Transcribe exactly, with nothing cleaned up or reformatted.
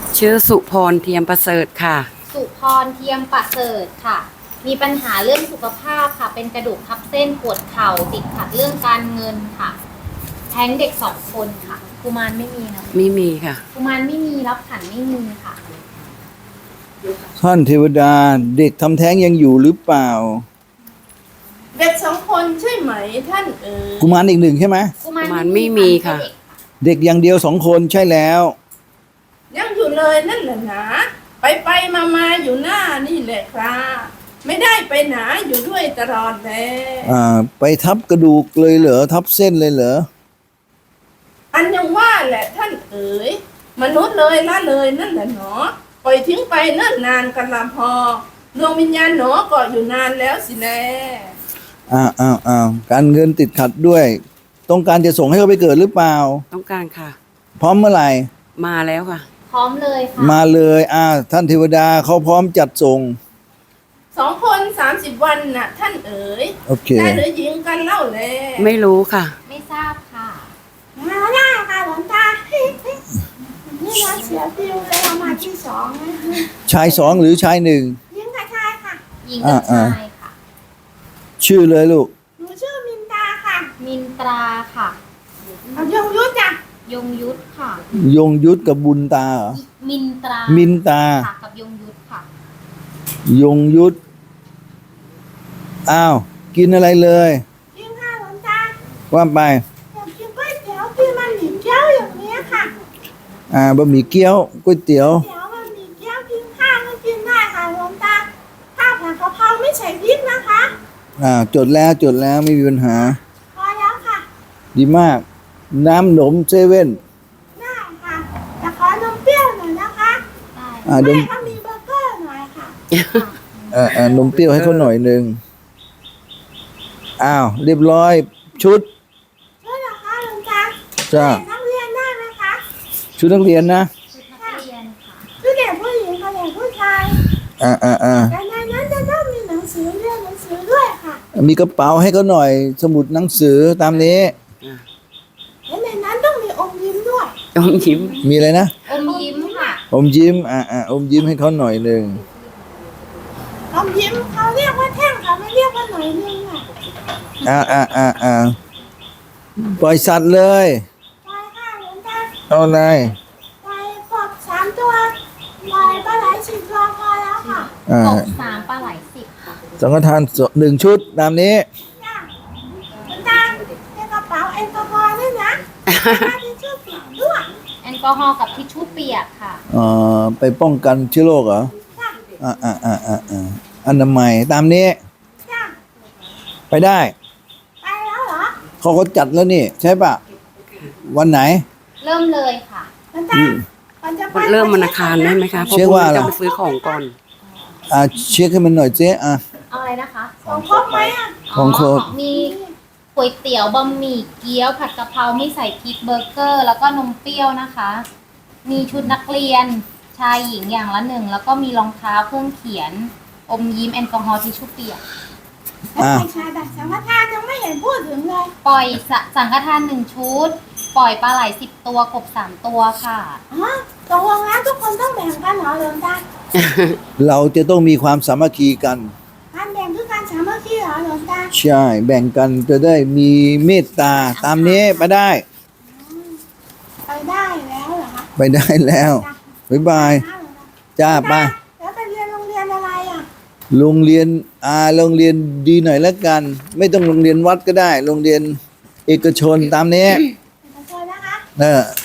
ชื่อสุพรเทียมประเสริฐค่ะสุพรเทียมประเสริฐค่ะมีปัญหาเรื่องสุขภาพค่ะเป็นกระดูกทับเส้นปวดเข่าติดขัดเรื่องการเงินค่ะแท้งเด็กสองคนค่ะกุมารไม่มีนะไม่มีค่ะกุมารไม่มีรับขันไม่มีค่ะท่านเทวดาเด็กทำแท้งยังอยู่หรือเปล่าเด็กสองคนใช่ไหมท่านเอ๋ยกุมารอีกหนึ่งใช่ไหมกุมารไม่มีค่ะเด็กอย่างเดียวสองคนใช่แล้วยังอยู่เลยนั่นแหละนะไปไปมามาอยู่หน้านี่แหละครับไม่ได้ไปไหนอยู่ด้วยตลอดเลยอ่าไปทับกระดูกเลยเหรอทับเส้นเลยเหรออันยังว่าแหละท่านเอ๋ยมนุษย์เลยละเลยนั่นแหละหนอปล่อยทิ้งไปเนิ่นนานกันละพอดวงวิญญาณหนอก็อยู่นานแล้วสิแน่อ้าวอ้าวอ้าวการเงินติดขัดด้วยต้องการจะส่งให้เขาไปเกิดหรือเปล่าต้องการค่ะพร้อมเมื่อไหร่มาแล้วค่ะพร้อมเลยค่ะมาเลยอ่าท่านเทวดาเขาพร้อมจัดส่งสองคนสามสิบวันน่ะท่านเอ๋ยโอเคได้หรือหญิงกันเล่าเลยไม่รู้ค่ะไม่ทราบค่ะมาได้ค่ะหลวงตานี่เราเสียฟิวเลยเรามาที่สองนะชายสองหรือชายหนึ่งหญิงกับชายค่ะหญิงกับชายค่ะชื่อเลยลูกหนูชื่อมินตาค่ะมินตราค่ะเอายงยุทธจ้ะยงยุทธค่ะยงยุทธกับบุญตาเหรอมินตรามินตาค่ะกับยงยุทธค่ะยงยุทธอ้าวกินอะไรเลยกินข้าวหลวงตาว่าไปอยากกินก๋วยเตี๋ยวกินมันหมี่เกี๊ยวอย่างนี้ค่ะอ่าบะหมี่เกี๊ยวก๋วยเตี๋ยวเตี๋ยวบะหมี่เกี๊ยวกินข้าวก็กินได้ค่ะหลวงตาข้าวผัดกะเพราไม่ใส่พริกนะคะอ่าจดแล้วจดแล้วไม่มีปัญหาพอแล้วค่ะดีมากน้ำหนมเซเว่นได้ค่ะแต่ขอนมเปรี้ยวหน่อยนะคะอ่าแม่ก็มีเบอร์เกอร์หน่อยค่ะอ่าอ่านมเปรี้ยวให้เขาหน่อยหนึ่งอ้าวเรียบร้อยชุดชุดเหรอคะหลวงตาจ้านักเรียนได้ไหมคะชุดนักเรียนนะชุดนักเรียนค่ะชุดเด็กผู้หญิงกับเด็กผู้ชายอ่าอ่าอ่าแต่ในนั้นจะต้องมีหนังสือเรียนหนังสือด้วยค่ะมีกระเป๋าให้เขาหน่อยสมุดหนังสือตามนี้และในนั้นต้องมีอมยิ้มด้วยอมยิ้มมีอะไรนะอมยิ้มค่ะอมยิ้มอ่าอ่าอมยิ้มให้เขาหน่อยหนึ่งอมยิ้มเขาเรียกว่าแท่งเขาไม่เรียกว่าหน่อยนึงอ่ะอ่าอ่าอ่าอ่าปล่อยสัตว์เลยปล่อยค่ะหลวงตาเอาอะไรปล่อยกบสามตัวปล่อยปลาไหลสิบตัวพอแล้วค่ะอ่ากบสามปลาไหลสิบค่ะสังฆทานหนึ่งชุดตามนี้จ้ะหลวงตาในกระเป๋าแอลกอฮอล์ด้วยนะทิชชู่เปียกด้วยแอลกอฮอล์กับทิชชู่เปียกค่ะเอ่อไปป้องกันเชื้อโรคเหรออ่าอ่าอ่าอ่าอ่าอนามัยตามนี้ไปได้ไปแล้วเหรอเขาก็จัดแล้วนี่ใช่ปะวันไหนเริ่มเลยค่ะเริ่มวันอังคารได้ไหมคะเพราะพรุ่งนี้จะไปซื้อของก่อนอ่าเช็คให้มันหน่อยเจ๊อ่ะเอาอะไรนะคะของครบไหมอ่ะของครบมีก๋วยเตี๋ยวบะหมี่เกี๊ยวผัดกะเพราไม่ใส่พริกเบอร์เกอร์แล้วก็นมเปรี้ยวนะคะมีชุดนักเรียนชายหญิงอย่างละหนึ่งแล้วก็มีรองเท้าเครื่องเขียนอมยิ้มแอลกอฮอล์ทิชชู่เปียกอ่าชาดักสังฆทานยังไม่เห็นพูดถึงเลยปล่อยสังฆทานหนึ่งชุดปล่อยปลาไหลสิบตัวกบสามตัวค่ะอ๋อตกลงแล้วทุกคนต้องแบ่งกันเหรอหลวงตาเราจะต้องมีความสามัคคีกันการแบ่งคือการสามัคคีเหรอหลวงตาใช่แบ่งกันจะได้มีเมตตาตามนี้ไปได้ไปได้แล้วเหรอคะไปได้แล้วบ๊ายบายจ้าป้าแล้วไปเรียนโรงเรียนอะไรอ่ะโรงเรียนอ่าโรงเรียนดีหน่อยแล้วกันไม่ต้องโรงเรียนวัดก็ได้โรงเรียนเอกชนตามนี้เอกชนนะคะเออ